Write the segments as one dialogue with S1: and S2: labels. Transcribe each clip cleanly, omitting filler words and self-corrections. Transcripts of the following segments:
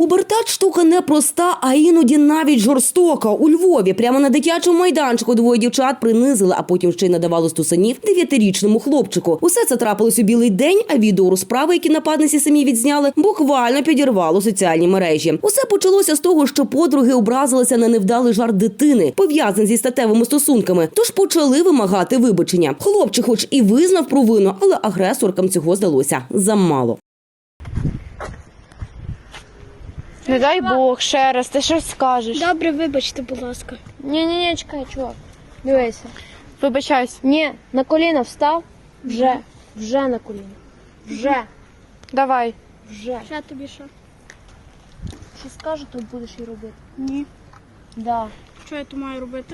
S1: Пубертат – штука непроста, а іноді навіть жорстока. У Львові прямо на дитячому майданчику двоє дівчат принизили, а потім ще й надавали стусанів 9-річному хлопчику. Усе це трапилось у білий день, а відео розправи, які нападниці самі відзняли, буквально підірвало соціальні мережі. Усе почалося з того, що подруги образилися на невдалий жарт дитини, пов'язаний зі статевими стосунками, тож почали вимагати вибачення. Хлопчик хоч і визнав провину, але агресоркам цього здалося замало.
S2: Не дай Бог, ще раз, ти щось скажеш.
S3: Добре, вибачте, будь ласка.
S2: Ні, чекай, чувак. Дивися. Вибачайся. Ні, на коліна встав. Вже на коліна. Вже. Давай. Вже.
S3: Ще тобі що?
S2: Що скажу, то будеш і робити.
S3: Ні.
S2: Да.
S3: Що я то маю робити?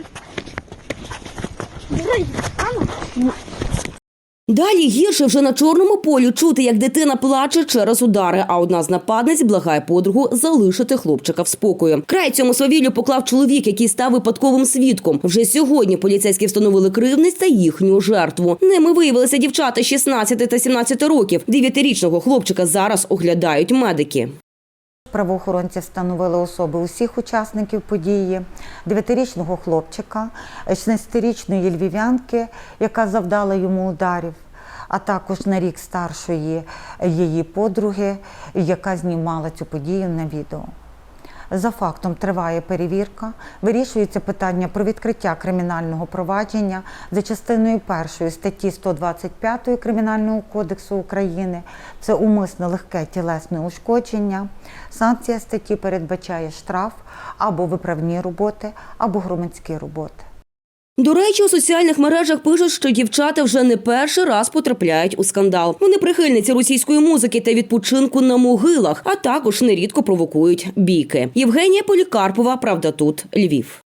S1: Далі гірше вже на чорному полі чути, як дитина плаче через удари, а одна з нападниць благає подругу залишити хлопчика в спокої. Край цьому свавіллю поклав чоловік, який став випадковим свідком. Вже сьогодні поліцейські встановили кривдниць та їхню жертву. Ними виявилися дівчата 16 та 17 років. 9-річного хлопчика зараз оглядають медики.
S4: Правоохоронці встановили особи усіх учасників події, 9-річного хлопчика, 16-річної львів'янки, яка завдала йому ударів, а також на рік старшої її подруги, яка знімала цю подію на відео. За фактом триває перевірка, вирішується питання про відкриття кримінального провадження за частиною 1 статті 125 Кримінального кодексу України. Це умисне легке тілесне ушкодження. Санкція статті передбачає штраф або виправні роботи, або громадські роботи.
S1: До речі, у соціальних мережах пишуть, що дівчата вже не перший раз потрапляють у скандал. Вони прихильниці російської музики та відпочинку на могилах, а також нерідко провокують бійки. Євгенія Полікарпова, «Правда тут», Львів.